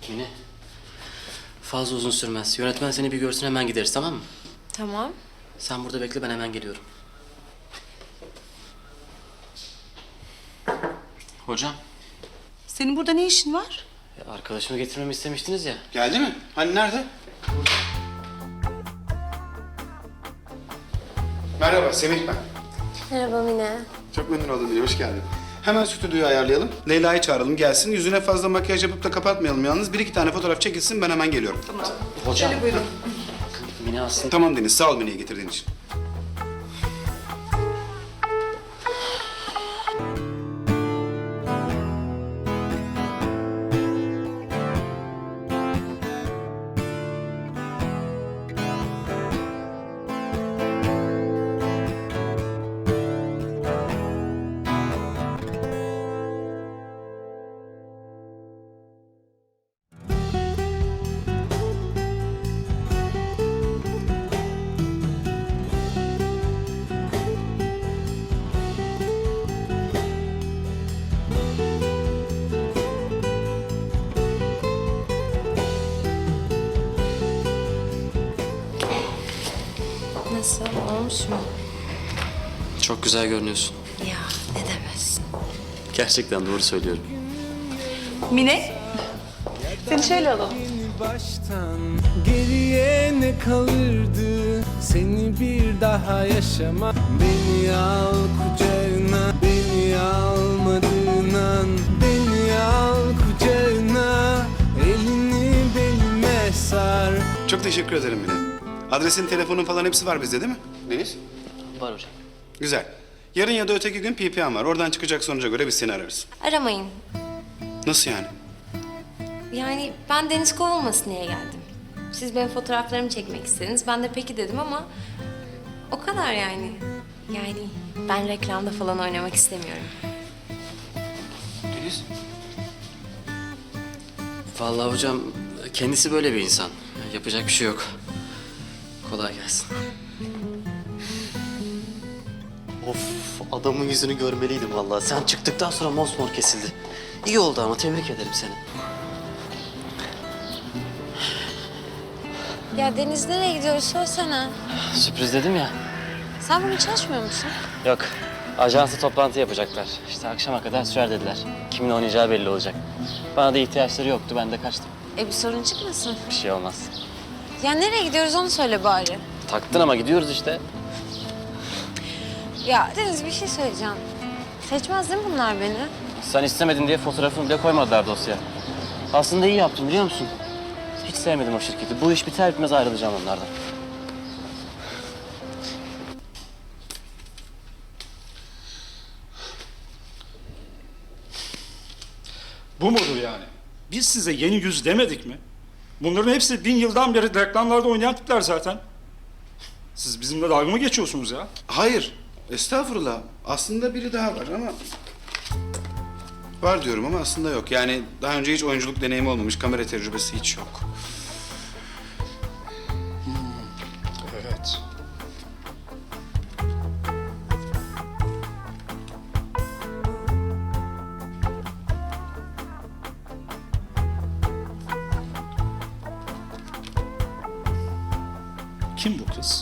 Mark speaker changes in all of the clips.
Speaker 1: Mine, fazla uzun sürmez. Yönetmen seni bir görsün, hemen gideriz, tamam mı?
Speaker 2: Tamam.
Speaker 1: Sen burada bekle, ben hemen geliyorum. Hocam,
Speaker 3: Senin burada ne işin var?
Speaker 1: arkadaşımı getirmemi istemiştiniz ya.
Speaker 4: Geldi mi? Hani nerede? Merhaba, Semih ben.
Speaker 2: Merhaba Mine.
Speaker 4: Çok memnun oldum Mine, hoş geldin. Hemen stüdyoyu ayarlayalım. Leyla'yı çağıralım, gelsin. Yüzüne fazla makyaj yapıp da kapatmayalım yalnız. Bir iki tane fotoğraf çekilsin, ben hemen geliyorum.
Speaker 1: Hocam.
Speaker 3: Şöyle buyurun.
Speaker 1: Mine aslında...
Speaker 4: Tamam Deniz, sağ ol Mine'yi getirdiğin için.
Speaker 2: Nasıl? Olmuş mu?
Speaker 1: Çok güzel görünüyorsun.
Speaker 2: Ya ne demezsin.
Speaker 1: Gerçekten doğru söylüyorum.
Speaker 3: Mine, seni şöyle alalım.
Speaker 5: Baştan geriye ne kalırdı? Seni bir daha yaşama. Beni al kucağına, beni almadığın an. Beni al kucağına, elini belime sar.
Speaker 4: Çok teşekkür ederim Mine. Adresin, telefonun falan hepsi var bizde değil mi? Deniz?
Speaker 1: Var hocam.
Speaker 4: Güzel. Yarın ya da öteki gün PPM var. Oradan çıkacak sonuca göre biz seni ararız.
Speaker 2: Aramayın.
Speaker 4: Nasıl yani?
Speaker 2: Yani ben Deniz kovulmasın diye geldim. Siz benim fotoğraflarımı çekmek istediniz. Ben de peki dedim ama o kadar yani. Yani ben reklamda falan oynamak istemiyorum.
Speaker 4: Deniz?
Speaker 1: Vallahi hocam, kendisi böyle bir insan. Yapacak bir şey yok. Kolay gelsin. Of, adamın yüzünü görmeliydim vallahi. Sen çıktıktan sonra mosmor kesildi. İyi oldu ama, tebrik ederim seni.
Speaker 2: Ya Deniz nereye gidiyoruz söylesene.
Speaker 1: Sürpriz dedim ya.
Speaker 2: Sen bugün çalışmıyor musun?
Speaker 1: Yok, ajansı toplantı yapacaklar. İşte akşama kadar sürer dediler. Kimin oynayacağı belli olacak. Bana da ihtiyaçları yoktu, ben de kaçtım.
Speaker 2: Bir sorun çıkmasın.
Speaker 1: Bir şey olmaz.
Speaker 2: Ya nereye gidiyoruz onu söyle bari.
Speaker 1: Taktın ama gidiyoruz işte.
Speaker 2: Ya Deniz bir şey söyleyeceğim. Seçmez değil mi bunlar beni?
Speaker 1: Sen istemedin diye fotoğrafını bile koymadılar dosyaya. Aslında iyi yaptım, biliyor musun? Hiç sevmedim o şirketi. Bu iş biter bitmez ayrılacağım onlardan.
Speaker 6: Bu mudur yani? Biz size yeni yüz demedik mi? Bunların hepsi 1000 yıldan beri reklamlarda oynayan tipler zaten. Siz bizimle dalga mı geçiyorsunuz ya?
Speaker 4: Hayır. Estağfurullah. Aslında biri daha var ama... Var diyorum ama aslında yok. Yani daha önce hiç oyunculuk deneyimi olmamış, kamera tecrübesi hiç yok.
Speaker 6: Evet. Kim bu kız?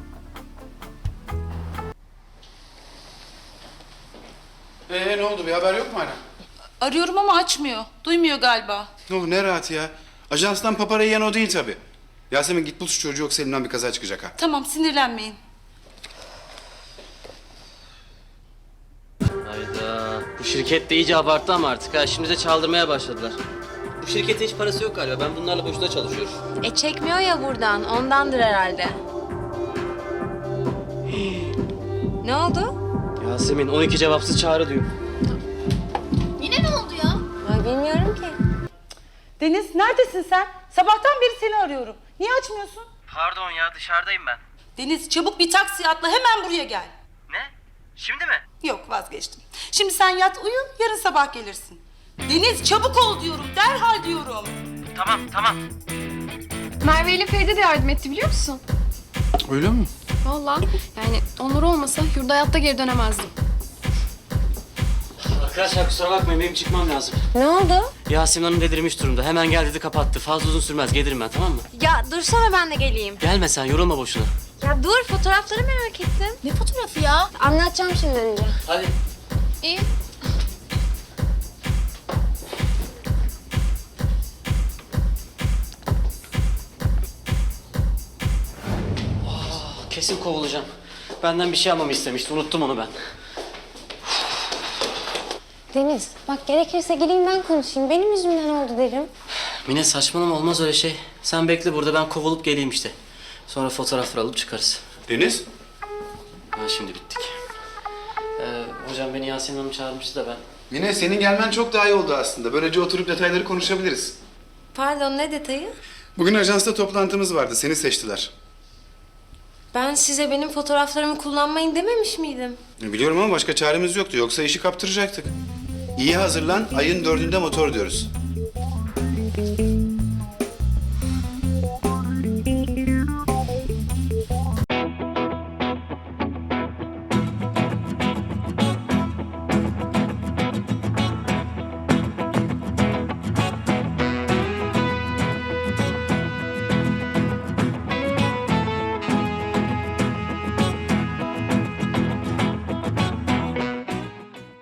Speaker 4: Ne oldu? Bir haber yok mu hala?
Speaker 3: Arıyorum ama açmıyor. Duymuyor galiba.
Speaker 4: Ne oldu? Ne rahat ya. Ajanstan papara yiyen o değil tabii. Yasemin git bul şu çocuğu, yoksa elimden bir kaza çıkacak ha.
Speaker 3: Tamam, sinirlenmeyin.
Speaker 1: Hayda. Bu şirket de iyice abarttı ama artık ha. Şimdi de çaldırmaya başladılar. Bu şirketin hiç parası yok galiba. Ben bunlarla boşuna çalışıyorum.
Speaker 2: Çekmiyor ya buradan. Ondandır herhalde. Ne oldu?
Speaker 1: Yasemin, 12 cevapsız çağrı diyor.
Speaker 7: Yine ne oldu ya?
Speaker 2: Ay bilmiyorum ki.
Speaker 3: Deniz, neredesin sen? Sabahtan beri seni arıyorum. Niye açmıyorsun?
Speaker 1: Pardon ya, dışarıdayım ben.
Speaker 3: Deniz, çabuk bir taksi atla, hemen buraya gel.
Speaker 1: Ne? Şimdi mi?
Speaker 3: Yok, vazgeçtim. Şimdi sen yat uyu, yarın sabah gelirsin. Deniz, çabuk ol diyorum, derhal diyorum.
Speaker 1: Tamam.
Speaker 7: Merve ile Feride de yardım etti biliyor musun?
Speaker 4: Öyle mi?
Speaker 7: Vallahi yani onlar olmasa yurda hayatta geri dönemezdim.
Speaker 1: Arkadaşlar kusura bakmayın, benim çıkmam lazım.
Speaker 2: Ne oldu?
Speaker 1: Yasemin Hanım delirmiş durumda. Hemen gel dedi kapattı. Fazla uzun sürmez. Gelirim ben, tamam mı?
Speaker 2: Ya dursana ben de geleyim.
Speaker 1: Gelme sen, yorulma boşuna.
Speaker 2: Ya dur, fotoğrafları merak ettim.
Speaker 7: Ne fotoğrafı ya?
Speaker 2: Anlatacağım şimdi önce.
Speaker 1: Hadi.
Speaker 7: İyi.
Speaker 1: Kesin kovulacağım. Benden bir şey almamı istemişti. Unuttum onu ben.
Speaker 2: Deniz, bak gerekirse geleyim ben konuşayım. Benim yüzümden oldu derim.
Speaker 1: Mine saçmalama, olmaz öyle şey. Sen bekle burada, ben kovulup geleyim işte. Sonra fotoğrafları alıp çıkarız.
Speaker 4: Deniz?
Speaker 1: Ha, şimdi bittik. Hocam beni Yasemin Hanım çağırmıştı da ben.
Speaker 4: Mine senin gelmen çok daha iyi oldu aslında. Böylece oturup detayları konuşabiliriz.
Speaker 2: Pardon, ne detayı?
Speaker 4: Bugün ajansta toplantımız vardı. Seni seçtiler.
Speaker 2: Ben size benim fotoğraflarımı kullanmayın dememiş miydim?
Speaker 4: Biliyorum ama başka çaremiz yoktu. Yoksa işi kaptıracaktık. İyi hazırlan. Ayın 4'ünde motor diyoruz.